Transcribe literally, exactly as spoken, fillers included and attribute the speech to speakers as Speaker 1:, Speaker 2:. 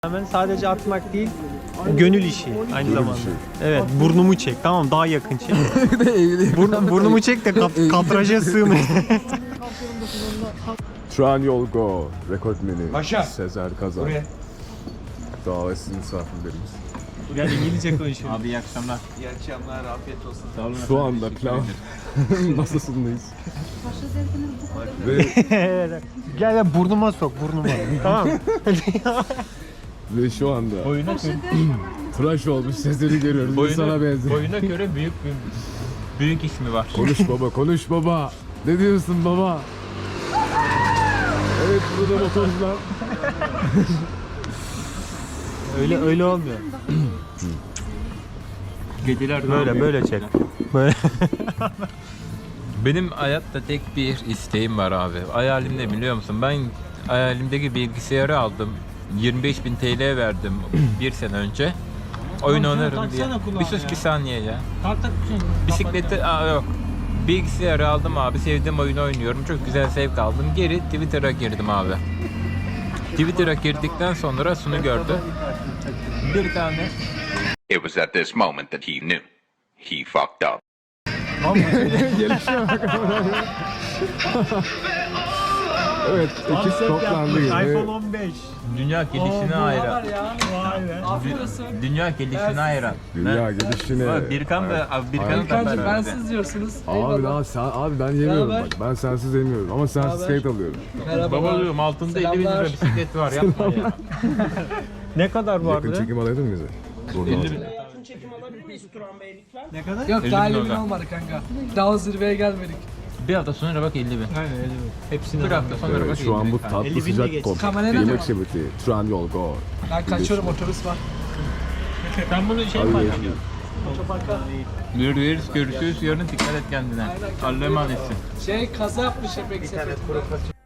Speaker 1: Hemen sadece atmak değil, gönül işi aynı
Speaker 2: Gönül
Speaker 1: zamanda.
Speaker 2: işi.
Speaker 1: Evet, burnumu çek. Tamam, daha yakın çek. Burn, burnumu çek de kap, kadraja sığmayın.
Speaker 2: Trendyol Go rekortmeni
Speaker 3: Paşa.
Speaker 2: Sezer Kazan.
Speaker 3: Buraya.
Speaker 2: Davetsiz misafirlerimiz.
Speaker 1: Gel İngilizce konuşuyorum.
Speaker 4: Abi iyi akşamlar.
Speaker 3: İyi akşamlar, afiyet olsun.
Speaker 4: Sağ olun.
Speaker 2: Şu
Speaker 4: efendim,
Speaker 2: anda
Speaker 4: teşekkür
Speaker 2: plan
Speaker 4: ederim.
Speaker 2: masasındayız. Ve,
Speaker 1: Gel gel burnuma sok, burnuma. Tamam.
Speaker 2: ve şu anda
Speaker 4: Boyuna göre,
Speaker 2: tıraş olmuş Sezer'i görüyoruz. Bu sana
Speaker 4: boyuna,
Speaker 2: benziyor.
Speaker 4: boyuna göre büyük bir büyük ismi var.
Speaker 2: Konuş baba, konuş baba. Ne diyorsun baba? Evet, burada motorcular.
Speaker 1: öyle öyle olmuyor.
Speaker 4: Geceler
Speaker 1: Böyle böyle çek. Böyle.
Speaker 4: Benim hayatta tek bir isteğim var abi. Hayalim ne biliyor musun? Ben hayalimdeki bilgisayarı aldım. yirmi beş bin T L verdim bir sene önce. Oyun
Speaker 1: Tamam,
Speaker 4: oynarım
Speaker 1: taksana
Speaker 4: diye.
Speaker 1: kulağına
Speaker 4: Bir sus
Speaker 1: ya.
Speaker 4: bir saniye ya.
Speaker 1: Tak tak
Speaker 4: Bisikleti aa, yok. Bilgisayarı aldım abi. Sevdiğim oyunu oynuyorum. Çok güzel zevk aldım. Geri Twitter'a girdim abi. Twitter'a girdikten sonra şunu gördüm. Bir tane
Speaker 5: It was at this moment that he knew. He fucked up.
Speaker 2: Gelişiyor bak. Evet, ekip toplandı.
Speaker 1: iPhone
Speaker 2: Ve
Speaker 1: on beş.
Speaker 4: dünya gelişine hayran.
Speaker 1: Vay be.
Speaker 4: Dü- Dünya gelişine hayran.
Speaker 2: dünya gelişine.
Speaker 4: Abi Birkan ve abi Birkan'ı da
Speaker 6: Birkancım
Speaker 4: ben
Speaker 6: bensiz diyorsunuz.
Speaker 2: Abi,
Speaker 6: Eyvallah.
Speaker 2: daha sen, abi ben yemiyorum
Speaker 6: Beraber.
Speaker 2: bak. Ben sensiz yemiyorum ama sensiz
Speaker 6: Beraber.
Speaker 2: skate alıyorum.
Speaker 6: Merhaba.
Speaker 4: Baba diyorum altında elli bin lira
Speaker 6: Selamlar.
Speaker 4: bisiklet var yapma ya.
Speaker 1: Ne kadar
Speaker 2: Yakın
Speaker 1: vardı?
Speaker 2: çekim alaydın mı bize?
Speaker 4: elli bin.
Speaker 1: Ne kadar?
Speaker 6: Yok
Speaker 4: elli
Speaker 6: daha
Speaker 4: bin
Speaker 6: elli bin
Speaker 4: dolar.
Speaker 6: olmadı kanka. Daha o zirveye gelmedik.
Speaker 4: Bir hafta sonra bak elli bin.
Speaker 1: Aynen öyle. Hepsini
Speaker 4: Bir hafta sonra
Speaker 2: Evet,
Speaker 4: bak
Speaker 2: şu an
Speaker 4: elli
Speaker 2: bu
Speaker 4: bin.
Speaker 2: tatlı
Speaker 1: elli bin de
Speaker 2: sıcak
Speaker 1: geç.
Speaker 2: kod.
Speaker 6: Kamerayla
Speaker 2: Yemek
Speaker 6: mı?
Speaker 2: sepeti. Trendyol Go.
Speaker 6: Ben kaçıyorum, otobüs var.
Speaker 1: Ben bunu şey mi
Speaker 2: Hadi
Speaker 1: alacağım?
Speaker 2: görüşürüz.
Speaker 4: Görüşürüz, görüşürüz. Yarın dikkat et kendine. Allah'a emanetsin.
Speaker 6: Şey kaza yapmış hep eksik.